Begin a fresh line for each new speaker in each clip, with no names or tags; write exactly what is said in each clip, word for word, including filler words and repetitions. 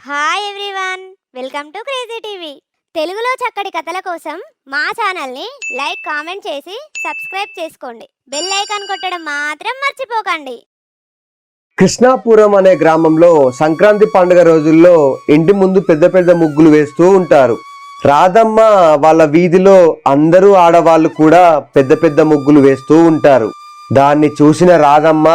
Hi everyone, welcome to crazy TV. తెలుగులో చక్కటి కథల కోసం మా ఛానల్ని లైక్, కామెంట్ చేసి సబ్స్క్రైబ్ చేసుకోండి. బెల్ ఐకాన్ కొట్టడం మాత్రం మర్చిపోకండి.
కృష్ణాపురం అనే గ్రామంలో సంక్రాంతి పండుగ రోజుల్లో ఇంటి ముందు పెద్ద పెద్ద ముగ్గులు వేస్తూ ఉంటారు. రాధమ్మ వాళ్ళ వీధిలో అందరూ ఆడవాళ్ళు కూడా పెద్ద పెద్ద ముగ్గులు వేస్తూ ఉంటారు. దాన్ని చూసిన రాధమ్మ,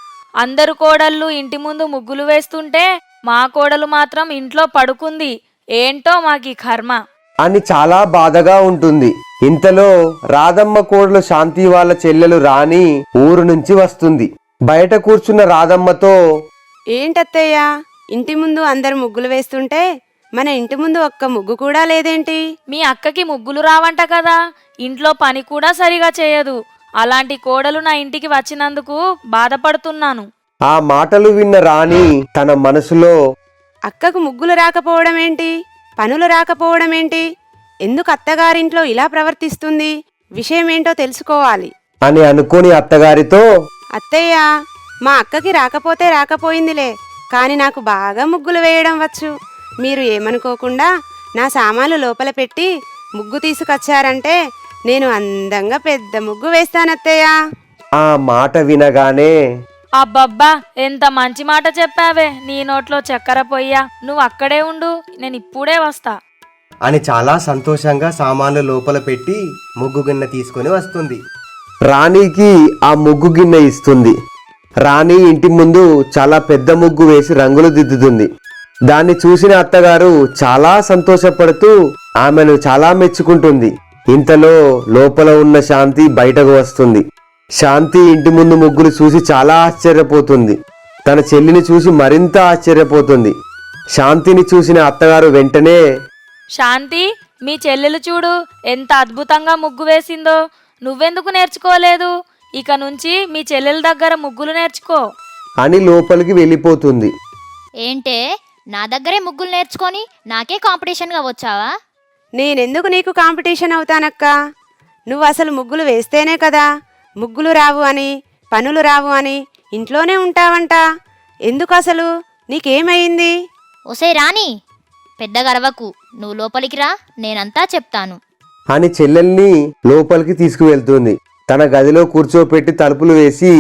అందరు కోడళ్ళు ఇంటి ముందు ముగ్గులు వేస్తుంటే మా కోడలు మాత్రం ఇంట్లో పడుకుంది, ఏంటో మాకి కర్మ
అని చాలా బాధగా ఉంటుంది. ఇంతలో రాధమ్మ కోడలు శాంతి వాళ్ళ చెల్లెలు రాణి ఊరు నుంచి వస్తుంది. బయట కూర్చున్న రాధమ్మతో,
ఏంటత్తయ్య, ఇంటి ముందు అందరు ముగ్గులు వేస్తుంటే మన ఇంటి ముందు ఒక్క ముగ్గు కూడా లేదేంటి?
మీ అక్కకి ముగ్గులు రావంట కదా, ఇంట్లో పని కూడా సరిగా చేయదు. అలాంటి కోడలు నా ఇంటికి వచ్చినందుకు బాధపడుతున్నాను.
ఆ మాటలు విన్న రాణి తన మనసులో,
అక్కకు ముగ్గులు రాకపోవడం ఏంటి, పనులు రాకపోవడం ఏంటి, ఎందుకు అత్తగారింట్లో ఇలా ప్రవర్తిస్తుంది, విషయమేంటో తెలుసుకోవాలి
అని అనుకుని అత్తగారితో,
అత్తయ్య, మా అక్కకి రాకపోతే రాకపోయిందిలే, కాని నాకు బాగా ముగ్గులు వేయడం వచ్చు. మీరు ఏమనుకోకుండా నా సామాన్లు లోపల పెట్టి ముగ్గు తీసుకొచ్చారంటే నేను అందంగా పెద్ద ముగ్గు వేస్తానత్తయ్య.
ఆ మాట వినగానే,
అబ్బబ్బా, ఎంత మంచి మాట చెప్పావే, నీ నోట్లో చక్కెర పొయ్యా, నువ్వు అక్కడే ఉండు, నేను ఇప్పుడే వస్తా
అని చాలా సంతోషంగా సామాన్లు లోపల పెట్టి ముగ్గు గిన్నె తీసుకొని వస్తుంది. రాణికి ఆ ముగ్గు గిన్నె ఇస్తుంది. రాణి ఇంటి ముందు చాలా పెద్ద ముగ్గు వేసి రంగులు దిద్దుతుంది. దాన్ని చూసిన అత్తగారు చాలా సంతోషపడుతూ ఆమెను చాలా మెచ్చుకుంటుంది. ఇంతలో లోపల ఉన్న శాంతి బయటకు వస్తుంది. శాంతి ఇంటి ముందు ముగ్గులు చూసి చాలా ఆశ్చర్యపోతుంది. తన చెల్లిని చూసి మరింత ఆశ్చర్యపోతుంది. శాంతిని చూసిన అత్తగారు వెంటనే,
శాంతి, మీ చెల్లెలు చూడు ఎంత అద్భుతంగా ముగ్గు వేసిందో, నువ్వెందుకు నేర్చుకోలేదు? ఇక నుంచి మీ చెల్లెల దగ్గర ముగ్గులు నేర్చుకో
అని లోపలికి వెళ్ళిపోతుంది.
ఏంటే, నా దగ్గరే ముగ్గులు నేర్చుకొని నాకే కాంపిటీషన్గా వచ్చావా?
నేనెందుకు నీకు కాంపిటీషన్ అవుతానక్క? నువ్వు అసలు ముగ్గులు వేస్తేనే కదా ముగ్గులు రావు అని, పనులు రావు అని ఇంట్లోనే ఉంటావంట. ఎందుకు అసలు, నీకేమైంది?
ఒసే రాణి, పెద్ద గర్వకు, నువ్వు లోపలికి రా, నేనంతా చెప్తాను
అని చెల్లెల్ని లోపలికి తీసుకువెళ్తుంది. తన గదిలో కూర్చోపెట్టి తలుపులు వేసి,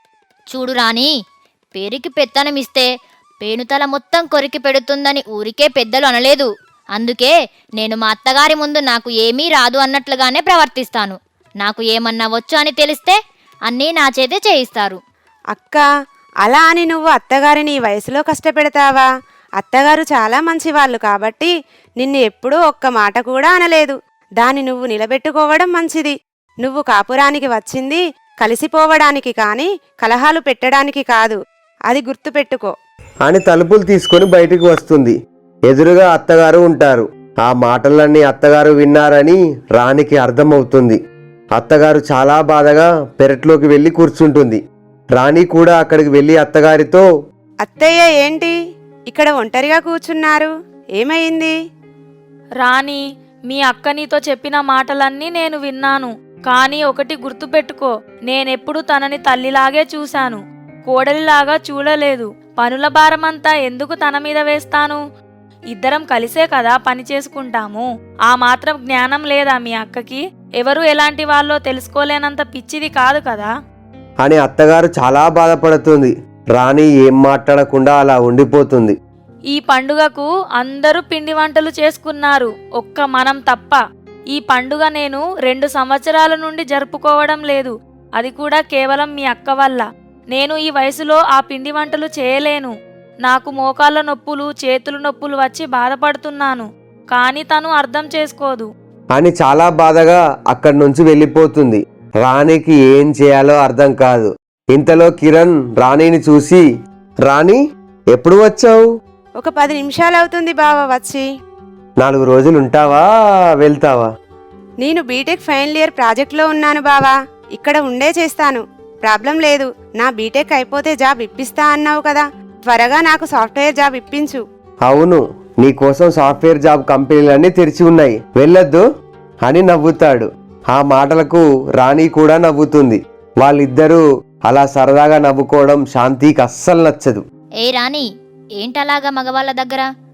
చూడు రాణి, పేరుకి పెత్తనమిస్తే పేనుతల మొత్తం కొరికి పెడుతుందని ఊరికే పెద్దలు అనలేదు. అందుకే నేను మా అత్తగారి ముందు నాకు ఏమీ రాదు అన్నట్లుగానే ప్రవర్తిస్తాను. నాకు ఏమన్నా వచ్చు అని తెలిస్తే అన్నీ నా చేతే చేయిస్తారు.
అక్క, అలా అని నువ్వు అత్తగారిని ఈ వయసులో కష్టపెడతావా? అత్తగారు చాలా మంచివాళ్ళు కాబట్టి నిన్ను ఎప్పుడూ ఒక్క మాట కూడా అనలేదు. దాన్ని నువ్వు నిలబెట్టుకోవడం మంచిది. నువ్వు కాపురానికి వచ్చింది కలిసిపోవడానికి కానీ కలహాలు పెట్టడానికి కాదు, అది గుర్తుపెట్టుకో
అని తలుపులు తీసుకొని బయటికి వస్తుంది. ఎదురుగా అత్తగారు ఉంటారు. ఆ మాటలన్నీ అత్తగారు విన్నారని రాణికి అర్థమవుతుంది. అత్తగారు చాలా బాధగా పెరట్లోకి వెళ్ళి కూర్చుంటుంది. రాణి కూడా అక్కడికి వెళ్ళి అత్తగారితో,
అత్తయ్య, ఏంటి ఇక్కడ ఒంటరిగా కూర్చున్నారు, ఏమైంది?
రాణి, మీ అక్క నీతో చెప్పిన మాటలన్నీ నేను విన్నాను. కానీ ఒకటి గుర్తుపెట్టుకో, నేనెప్పుడు తనని తల్లిలాగే చూశాను, కోడలిలాగా చూడలేదు. పనుల భారమంతా ఎందుకు తన మీద వేస్తాను? ఇద్దరం కలిసే కదా పని చేసుకుంటాము. ఆ మాత్రం జ్ఞానం లేదా మీ అక్కకి? ఎవరు ఎలాంటి వాళ్ళో తెలుసుకోలేనంత పిచ్చిది కాదు కదా
అని అత్తగారు చాలా బాధపడుతుంది. రాణి ఏం మాట్లాడకుండా అలా ఉండిపోతుంది.
ఈ పండుగకు అందరూ పిండి వంటలు చేసుకున్నారు, ఒక్క మనం తప్ప. ఈ పండుగ నేను రెండు సంవత్సరాల నుండి జరుపుకోవడం లేదు, అది కూడా కేవలం మీ అక్క వల్ల. నేను ఈ వయసులో ఆ పిండి వంటలు చేయలేను. నాకు మోకాళ్ళ నొప్పులు, చేతులు నొప్పులు వచ్చి బాధపడుతున్నాను. కానీ తను అర్థం చేసుకోదు
అని చాలా బాధగా అక్కడి నుంచి వెళ్ళిపోతుంది. రాణికి ఏం చేయాలో అర్థం కాదు. ఇంతలో కిరణ్ రాణిని చూసి, రాణి, ఎప్పుడు వచ్చావు?
ఒక పది నిమిషాలు అవుతుంది బావ వచ్చి.
నాలుగు రోజులు ఉంటావా, వెళ్తావా?
నేను బీటెక్ ఫైనల్ ఇయర్ ప్రాజెక్ట్లో ఉన్నాను బావా, ఇక్కడ ఉండే చేస్తాను, ప్రాబ్లం లేదు. నా బీటెక్ అయిపోతే జాబ్ ఇప్పిస్తా అన్నావు కదా, త్వరగా నాకు సాఫ్ట్వేర్ జాబ్ ఇప్పించు.
అవును, నీకోసం సాఫ్ట్వేర్ జాబ్ కంపెనీలన్నీ తెరిచి ఉన్నాయి, వెళ్ళొద్దు అని నవ్వుతాడు. ఆ మాటలకు రాణి కూడా నవ్వుతుంది. వాళ్ళిద్దరూ అలా సరదాగా నవ్వుకోవడం శాంతికి అస్సలు నచ్చదు.
ఏ రాణి, ఏంటలాగా మగవాళ్ళ దగ్గర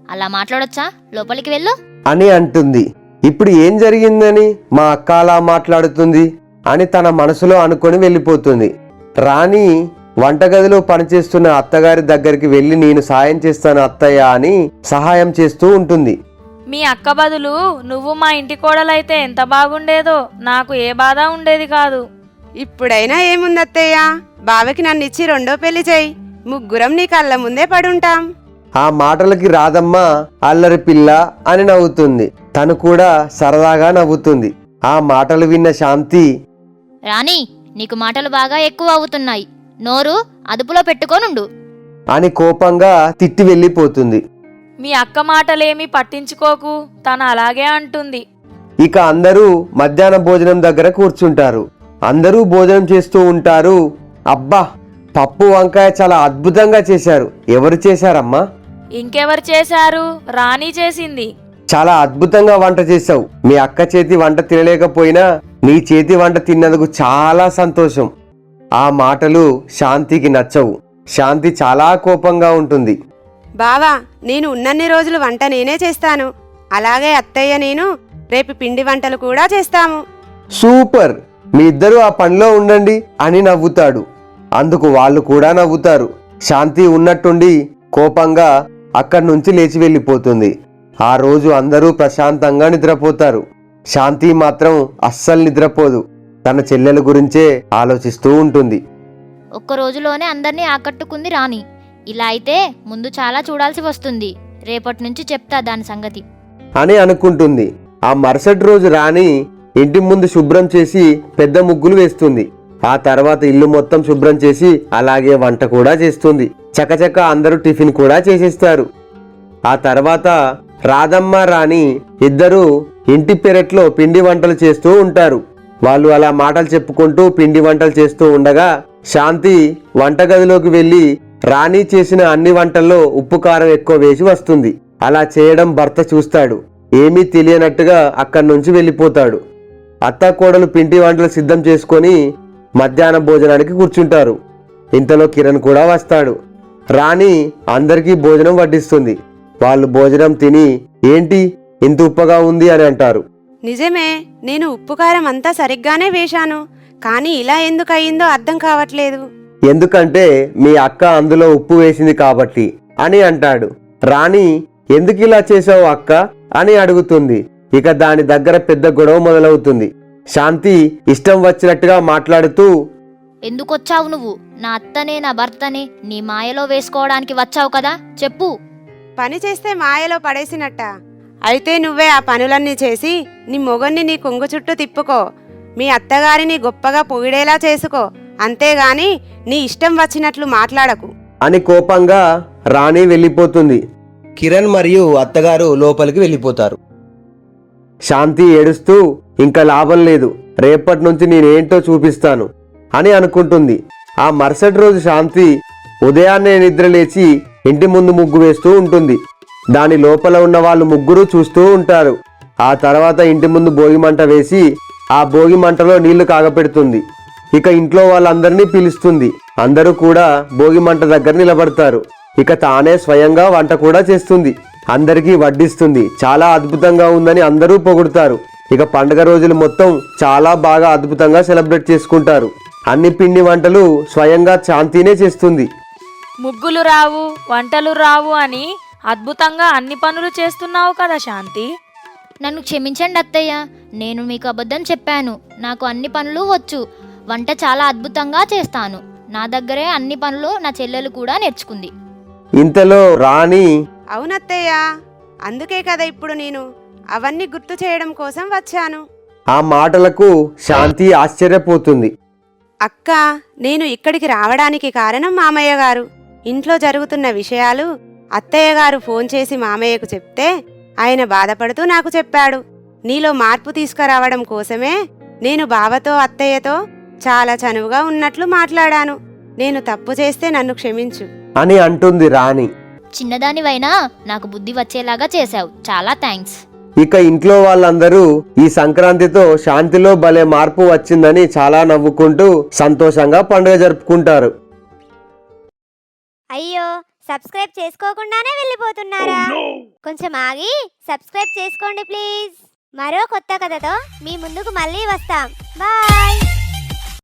అలా మాట్లాడొచ్చా? లోపలికి వెళ్ళు.
అని అంటుంది. ఇప్పుడు ఏం జరిగిందని మా అక్క అలా మాట్లాడుతుంది అని తన మనసులో అనుకొని వెళ్ళిపోతుంది. రాణి వంటగదిలో పనిచేస్తున్న అత్తగారి దగ్గరికి వెళ్ళి నేను సాయం చేస్తాను అత్తయ్య అని సహాయం చేస్తూ ఉంటుంది.
మీ అక్క బదులు నువ్వు మా ఇంటి కోడలైతే ఎంత బాగుండేదో. నాకు ఏ బాధ ఉండేది కాదు.
ఇప్పుడైనా ఏముంది అత్తయ్య, బావకి నన్ను ఇచ్చి రెండో పెళ్లి చేయి, ముగ్గురం నీ కళ్ళ ముందే పడుంటాం.
ఆ మాటలకి రాధమ్మ అల్లరి పిల్ల అని నవ్వుతుంది. తను కూడా సరదాగా నవ్వుతుంది. ఆ మాటలు విన్న శాంతి,
రాణి, నీకు మాటలు బాగా ఎక్కువ అవుతున్నాయి. నోరు అదుపులో పెట్టుకోనుండు
అని కోపంగా తిట్టి వెళ్ళిపోతుంది.
మీ అక్క మాటలేమీ పట్టించుకోకు, తను అలాగే అంటుంది.
ఇక అందరూ మధ్యాహ్న భోజనం దగ్గర కూర్చుంటారు. అందరూ భోజనం చేస్తూ ఉంటారు. అబ్బా, పప్పు వంకాయ చాలా అద్భుతంగా చేశారు. ఎవరు చేశారమ్మా?
ఇంకెవరు చేశారు? రాణి చేసింది.
చాలా అద్భుతంగా వంట చేశావు. మీ అక్క చేతి వంట తినలేకపోయినా నీ చేతి వంట తిన్నందుకు చాలా సంతోషం. ఆ మాటలు శాంతికి నచ్చవు. శాంతి చాలా కోపంగా ఉంటుంది.
బావా, నేను ఉన్నన్ని రోజులు వంట నేనే చేస్తాను. అలాగే అత్తయ్య నేను రేపు పిండి వంటలు కూడా చేస్తాము.
సూపర్, మీ ఇద్దరు ఆ పనిలో ఉండండి అని నవ్వుతాడు. అందుకు వాళ్ళు కూడా నవ్వుతారు. శాంతి ఉన్నట్టుండి కోపంగా అక్కడి నుంచి లేచి వెళ్ళిపోతుంది. ఆ రోజు అందరూ ప్రశాంతంగా నిద్రపోతారు. శాంతి మాత్రం అస్సలు నిద్రపోదు. తన చెల్లెల గురించే ఆలోచిస్తూ ఉంటుంది.
ఒక్క రోజులోనే అందర్నీ ఆకట్టుకుంది రాణి. ఇలా అయితే ముందు చాలా చూడాల్సి వస్తుంది. రేపటి నుంచి చెప్తా దాని సంగతి
అని అనుకుంటుంది. ఆ మరుసటి రోజు రాణి ఇంటి ముందు శుభ్రం చేసి పెద్ద ముగ్గులు వేస్తుంది. ఆ తర్వాత ఇల్లు మొత్తం శుభ్రం చేసి అలాగే వంట కూడా చేస్తుంది. చకచక అందరూ టిఫిన్ కూడా చేసేస్తారు. ఆ తర్వాత రాధమ్మ రాణి ఇద్దరూ ఇంటి పెరట్లో పిండి వంటలు చేస్తూ ఉంటారు. వాళ్ళు అలా మాటలు చెప్పుకుంటూ పిండి వంటలు చేస్తూ ఉండగా శాంతి వంటగదిలోకి వెళ్ళి రాణి చేసిన అన్ని వంటల్లో ఉప్పు కారం ఎక్కువ వేసి వస్తుంది. అలా చేయడం భర్త చూస్తాడు. ఏమీ తెలియనట్టుగా అక్కడి నుంచి వెళ్ళిపోతాడు. అత్త కోడలు పిండి వంటలు సిద్ధం చేసుకొని మధ్యాహ్న భోజనానికి కూర్చుంటారు. ఇంతలో కిరణ్ కూడా వస్తాడు. రాణి అందరికీ భోజనం వడ్డిస్తుంది. వాళ్ళు భోజనం తిని ఏంటి ఇంత ఉప్పగా ఉంది అని అంటారు.
నిజమే, నేను ఉప్పు కారం అంతా సరిగ్గానే వేశాను, కానీ ఇలా ఎందుకు అయిందో అర్థం కావట్లేదు.
ఎందుకంటే మీ అక్క అందులో ఉప్పు వేసింది కాబట్టి అని అంటాడు. రాణి ఎందుకు ఇలా చేసావు అక్క అని అడుగుతుంది. ఇక దాని దగ్గర పెద్ద గొడవ మొదలవుతుంది. శాంతి ఇష్టం వచ్చినట్టుగా మాట్లాడుతూ,
ఎందుకొచ్చావు నువ్వు? నా అత్తనే నా భర్తనే నీ మాయలో వేసుకోవడానికి వచ్చావు కదా, చెప్పు.
పని చేస్తే మాయలో పడేసినట్ట. అయితే నువ్వే ఆ పనులన్నీ చేసి నీ మొగన్ని నీ కొంగు చుట్టూ తిప్పుకో, మీ అత్తగారిని గొప్పగా పొగిడేలా చేసుకో, అంతేగాని నీ ఇష్టం వచ్చినట్లు మాట్లాడకు
అని కోపంగా రాణి వెళ్ళిపోతుంది. కిరణ్ మరియు అత్తగారు లోపలికి వెళ్ళిపోతారు. శాంతి ఏడుస్తూ ఇంకా లాభం లేదు, రేపటి నుంచి నేనేంటో చూపిస్తాను అని అనుకుంటుంది. ఆ మరుసటి రోజు శాంతి ఉదయాన్నే నిద్రలేచి ఇంటి ముందు ముగ్గు వేస్తూ ఉంటుంది. దాని లోపల ఉన్న వాళ్ళు ముగ్గురు చూస్తూ ఉంటారు. ఆ తర్వాత ఇంటి ముందు భోగి మంట వేసి ఆ భోగి మంటలో నీళ్లు కాగపెడుతుంది. ఇక ఇంట్లో వాళ్ళందరినీ పిలుస్తుంది. అందరూ కూడా భోగి మంట దగ్గర నిలబడతారు. ఇక తానే స్వయంగా వంట కూడా చేస్తుంది. అందరికీ వడ్డిస్తుంది. చాలా అద్భుతంగా ఉందని అందరూ పొగుడుతారు. ఇక పండుగ రోజులు మొత్తం చాలా బాగా అద్భుతంగా సెలబ్రేట్ చేసుకుంటారు. అన్ని పిండి వంటలు స్వయంగా శాంతినే చేస్తుంది.
ముగ్గులు రావు, వంటలు రావు అని అద్భుతంగా అన్ని పనులు చేస్తున్నావు కదా శాంతి.
నన్ను క్షమించండి అత్తయ్య, నేను మీకు అబద్ధం చెప్పాను. నాకు అన్ని పనులు వచ్చు, వంట చాలా అద్భుతంగా చేస్తాను. నా దగ్గరే అన్ని పనులు నా చెల్లెలు కూడా నేర్చుకుంది.
ఇంతలో రాణి,
అవునత్తయ్య, అందుకే కదా ఇప్పుడు నేను అవన్నీ గుర్తు చేయడం కోసం వచ్చాను.
ఆ మాటలకు శాంతి ఆశ్చర్యపోతుంది.
అక్క, నేను ఇక్కడికి రావడానికి కారణం మామయ్య గారు. ఇంట్లో జరుగుతున్న విషయాలు అత్తయ్య గారు ఫోన్ చేసి మామయ్యకు చెప్తే ఆయన బాధపడుతూ నాకు చెప్పాడు. నీలో మార్పు తీసుకురావడం కోసమే నేను బావతో అత్తయ్యతో చాలా చనువుగా ఉన్నట్లు మాట్లాడాను. నేను తప్పు చేస్తే నన్ను క్షమించు
అని అంటుంది రాణి.
చిన్నదానివైనా నాకు బుద్ధి వచ్చేలాగా చేశావు, చాలా థ్యాంక్స్.
ఇక ఇంట్లో వాళ్ళందరూ ఈ సంక్రాంతితో శాంతిలో భలే మార్పు వచ్చిందని చాలా నవ్వుకుంటూ సంతోషంగా పండుగ జరుపుకుంటారు.
అయ్యో, సబ్స్క్రైబ్ చేసుకోకుండానే వెళ్ళిపోతున్నారా? కొంచెం ఆగి సబ్స్క్రైబ్ చేసుకోండి ప్లీజ్. మరో కొత్త కథతో మీ ముందుకు మళ్ళీ వస్తాం. బాయ్.